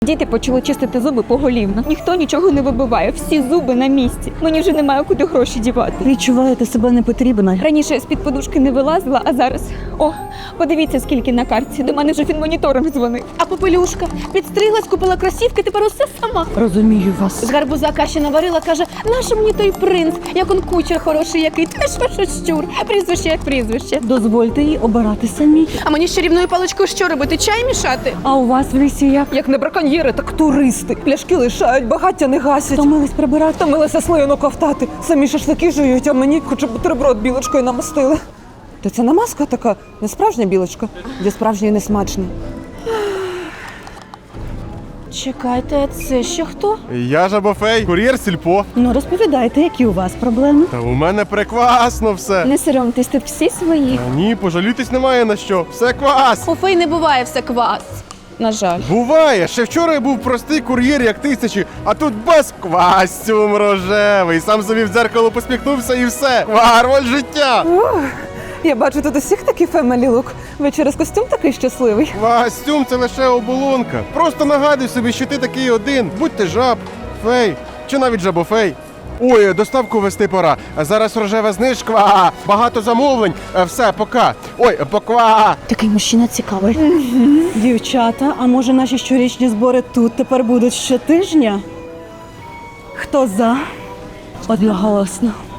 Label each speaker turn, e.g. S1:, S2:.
S1: Діти почали чистити зуби поголівно. Ніхто нічого не вибиває, всі зуби на місці. Мені вже немає куди гроші дівати.
S2: Відчуваєте себе непотрібно.
S1: Раніше я з-під подушки не вилазила, а зараз... О, подивіться, скільки на картці. До мене вже фінмоніторинг дзвонив.
S3: А попелюшка підстриглась, купила кросівки, тепер усе сама.
S2: Розумію вас.
S3: З гарбуза каші наварила, каже, нащо мені той принц, як он кучер хороший який, теж що щур, прізвище як прізвище.
S2: Дозвольте їй обирати самі.
S3: А мені з чарівною паличкою що робити, чай мішати?
S2: А у вас в лісі як?
S4: Як не браконьєри, так туристи. Пляшки лишають, багаття не гасять.
S2: Втомились прибирати?
S4: Втомилися слоєно ковтати. Самі шашлики жують, а мені хоч бутерброд білочкою намастили. Та це не маска така, не справжня білочка. Для справжньої не смачно.
S3: Чекайте, це ще хто?
S5: Я Жабофей, кур'єр сільпо.
S2: Ну розповідайте, які у вас проблеми.
S5: Та у мене прекрасно все.
S1: Не соромтесь, тут всі свої.
S5: Та ні, пожалітись немає на що. Все квас.
S3: У фей не буває все квас.
S1: На жаль.
S5: Буває, ще вчора я був простий кур'єр, як тисячі, а тут без квастюм рожевий. Сам собі в дзеркало посміхнувся і все. Варваль життя.
S4: Я бачу, тут усіх такий фемелі лук. Ви через костюм такий щасливий.
S5: Квастюм – це лише оболонка. Просто нагадуй собі, що ти такий один. Будь ти жаб, фей чи навіть жабофей. Ой, доставку вести пора. Зараз рожева знижка. Багато замовлень. Все, пока. Ой, поква.
S2: Такий мужчина цікавий. Дівчата, а може наші щорічні збори тут тепер будуть щотижня? Хто за? Одноголосно.